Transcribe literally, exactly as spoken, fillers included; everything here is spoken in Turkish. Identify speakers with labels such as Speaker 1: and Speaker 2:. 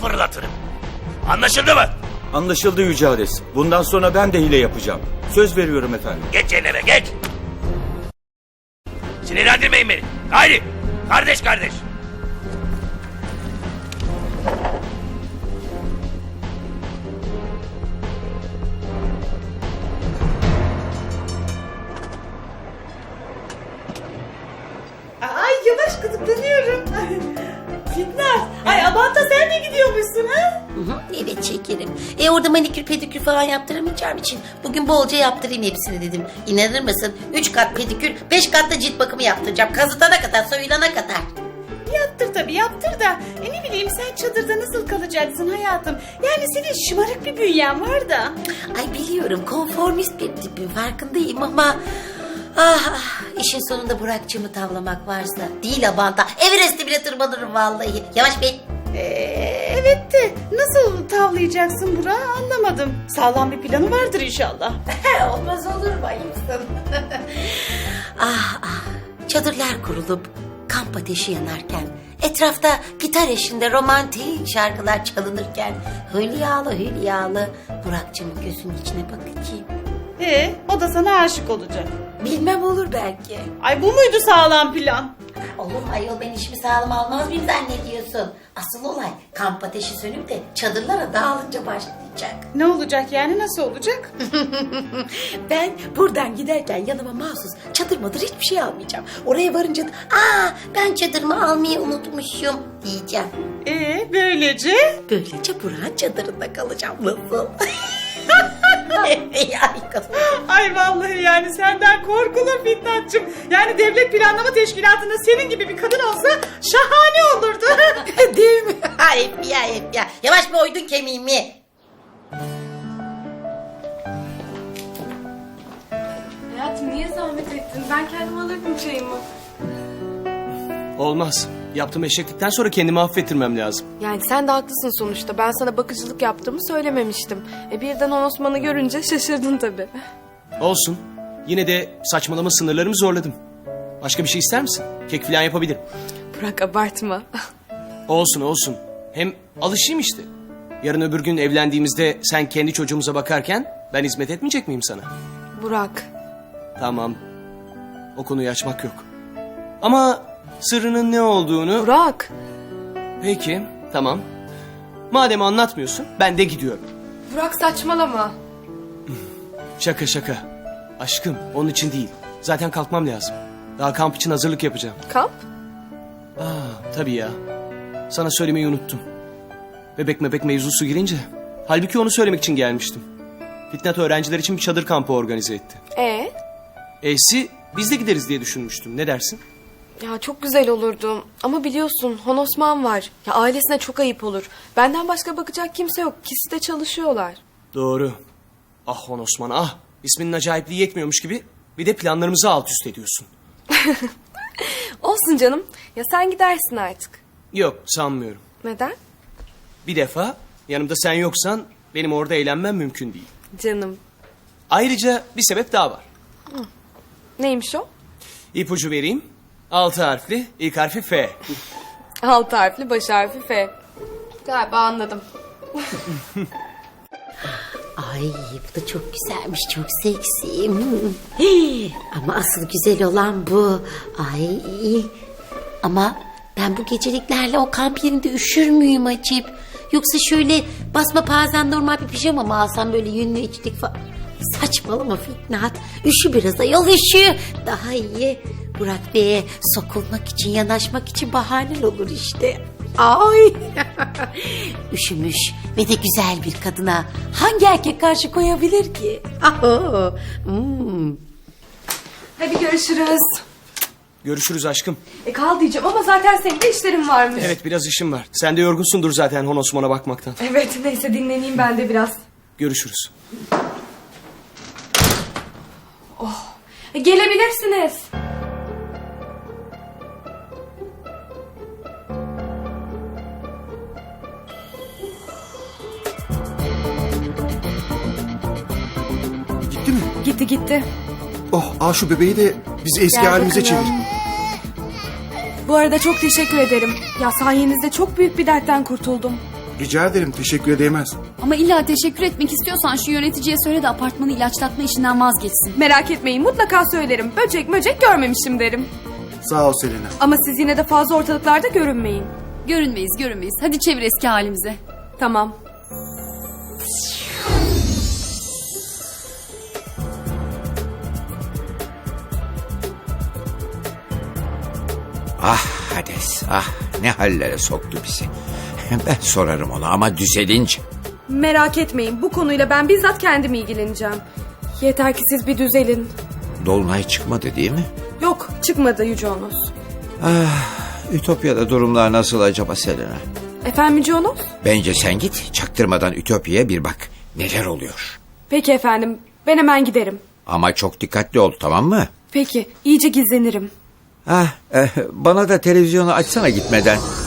Speaker 1: fırlatırım. Anlaşıldı mı?
Speaker 2: Anlaşıldı Yüce Ares. Bundan sonra ben de hile yapacağım. Söz veriyorum efendim.
Speaker 1: Geç yerine geç. Sinirlendirmeyin beni. Haydi. Kardeş kardeş.
Speaker 3: Ay yavaş gıdıklanıyorum. Fitnat. Ay Abant'a sen de gidiyormuşsun ha?
Speaker 4: Hı hı, evet şekerim. E orada manikür pedikür falan yaptıramayacağım için bugün bolca yaptırayım hepsini dedim. İnanır mısın? Üç kat pedikür, beş kat da cilt bakımı yaptıracağım. Kazıtana kadar, soyulana kadar.
Speaker 3: Yaptır tabii yaptır da. E ne bileyim sen çadırda nasıl kalacaksın hayatım? Yani senin şımarık bir bünyen var da.
Speaker 4: Ay biliyorum konformist bir tipim farkındayım ama... Ah, ah işin sonunda Burak'cığımı tavlamak varsa değil Abant'a. Everest'e bile tırmanırım vallahi. Yavaş Bey.
Speaker 3: Ee, evet de nasıl tavlayacaksın Burak'ı anlamadım. Sağlam bir planı vardır inşallah.
Speaker 4: Olmaz olur mu ayıpsın? ah ah çadırlar kurulup kamp ateşi yanarken etrafta gitar eşliğinde romantik şarkılar çalınırken hülyalı hülyalı Burak'cığımın gözünün içine bakacağım.
Speaker 3: Ee, o da sana aşık olacak.
Speaker 4: Bilmem olur belki.
Speaker 3: Ay bu muydu sağlam plan?
Speaker 4: Olur mu ayol, ben işimi sağlam almaz mıyım zannediyorsun? Asıl olay kamp ateşi sönüp de çadırlara dağılınca başlayacak.
Speaker 3: Ne olacak yani nasıl olacak?
Speaker 4: Ben buradan giderken yanıma mahsus çadır madır hiçbir şey almayacağım. Oraya varınca da aa ben çadırımı almayı unutmuşum diyeceğim.
Speaker 3: Ee, böylece?
Speaker 4: Böylece Burak'ın çadırında kalacağım. Nasıl? Ay kızım.
Speaker 3: Ay vallahi yani senden korkulur Fitnatçım. Yani devlet planlama teşkilatında senin gibi bir kadın olsa şahane olurdu.
Speaker 4: Değil mi? Hep ya hep ya. Yavaş bir oydun kemiğimi.
Speaker 5: Hayatım niye zahmet ettin? Ben kendim alırdım çayımı.
Speaker 6: Olmaz. Yaptığım eşeklikten sonra kendimi affettirmem lazım.
Speaker 5: Yani sen de haklısın sonuçta. Ben sana bakıcılık yaptığımı söylememiştim. E birden o Osman'ı görünce şaşırdın tabii.
Speaker 6: Olsun. Yine de saçmalama sınırlarımı zorladım. Başka bir şey ister misin? Kek falan yapabilirim.
Speaker 5: Burak abartma.
Speaker 6: Olsun olsun. Hem alışayım işte. Yarın öbür gün evlendiğimizde sen kendi çocuğumuza bakarken ben hizmet etmeyecek miyim sana?
Speaker 5: Burak.
Speaker 6: Tamam. O konuyu açmak yok. Ama sırrının ne olduğunu...
Speaker 5: Burak.
Speaker 6: Peki, tamam. Madem anlatmıyorsun, ben de gidiyorum.
Speaker 5: Burak saçmalama.
Speaker 6: Şaka şaka. Aşkım, onun için değil. Zaten kalkmam lazım. Daha kamp için hazırlık yapacağım.
Speaker 5: Kamp?
Speaker 6: Aa, tabii ya. Sana söylemeyi unuttum. Bebek mebek mevzusu girince... Halbuki onu söylemek için gelmiştim. Fitnat öğrenciler için bir çadır kampı organize etti.
Speaker 5: Ee?
Speaker 6: E'si biz de gideriz diye düşünmüştüm. Ne dersin?
Speaker 5: Ya çok güzel olurdu. Ama biliyorsun Hon Osman var. Ya ailesine çok ayıp olur. Benden başka bakacak kimse yok. İkisi de çalışıyorlar.
Speaker 6: Doğru. Ah Hon Osman ah. İsminin acayipliği yetmiyormuş gibi bir de planlarımızı alt üst ediyorsun.
Speaker 5: Olsun canım. Ya sen gidersin artık.
Speaker 6: Yok sanmıyorum.
Speaker 5: Neden?
Speaker 6: Bir defa yanımda sen yoksan benim orada eğlenmem mümkün değil.
Speaker 5: Canım.
Speaker 6: Ayrıca bir sebep daha var.
Speaker 5: Neymiş o?
Speaker 6: İpucu vereyim. Altı harfli, ilk harfi F.
Speaker 5: Alt harfli, baş harfi F. Galiba anladım.
Speaker 4: Ay bu da çok güzelmiş, çok seksi. Hmm. Hii, ama asıl güzel olan bu. Ay ama ben bu geceliklerle o kamp yerinde üşür müyüm acip? Yoksa şöyle basma pazen normal bir pijama mı alsam böyle yünlü içlik falan? Saçmalama Fitnat. Üşü biraz ayol üşü. Daha iyi Burak Bey'e sokulmak için, yanaşmak için bahanen olur işte. Ay üşümüş ve de güzel bir kadına hangi erkek karşı koyabilir ki? Aho. Hmm.
Speaker 5: Hadi görüşürüz.
Speaker 6: Görüşürüz aşkım.
Speaker 5: E kal diyeceğim ama zaten senin de işlerin varmış.
Speaker 6: Evet biraz işim var. Sen de yorgunsundur zaten Hon Osman'a bakmaktan.
Speaker 5: Evet neyse dinleneyim ben de biraz.
Speaker 6: Görüşürüz.
Speaker 5: E, gelebilirsiniz.
Speaker 7: Gitti mi?
Speaker 5: Gitti gitti.
Speaker 7: Oh, al şu bebeği de bizi eski
Speaker 5: Gel
Speaker 7: halimize
Speaker 5: bakalım.
Speaker 7: çevir.
Speaker 5: Bu arada çok teşekkür ederim. Ya sayenizde çok büyük bir dertten kurtuldum.
Speaker 7: Rica ederim, teşekkür edemez.
Speaker 8: Ama illa teşekkür etmek istiyorsan şu yöneticiye söyle de apartmanı ilaçlatma işinden vazgeçsin.
Speaker 5: Merak etmeyin, mutlaka söylerim. Böcek möcek görmemişim derim.
Speaker 7: Sağ ol Selena.
Speaker 5: Ama siz yine de fazla ortalıklarda görünmeyin.
Speaker 8: Görünmeyiz görünmeyiz. Hadi çevir eski halimize.
Speaker 5: Tamam.
Speaker 9: Ah Hades, ah ne hallere soktu bizi. Ben sorarım ona ama düzelince.
Speaker 5: Merak etmeyin, bu konuyla ben bizzat kendim ilgileneceğim. Yeter ki siz bir düzelin.
Speaker 9: Dolunay çıkmadı değil mi?
Speaker 5: Yok, çıkmadı Yüce Onos.
Speaker 9: Ütopya'da durumlar nasıl acaba Selena?
Speaker 5: Efendim Yüce Onos?
Speaker 9: Bence sen git, çaktırmadan Ütopya'ya bir bak. Neler oluyor?
Speaker 5: Peki efendim, ben hemen giderim.
Speaker 9: Ama çok dikkatli ol, tamam mı?
Speaker 5: Peki, iyice gizlenirim.
Speaker 9: Ah, eh, bana da televizyonu açsana gitmeden.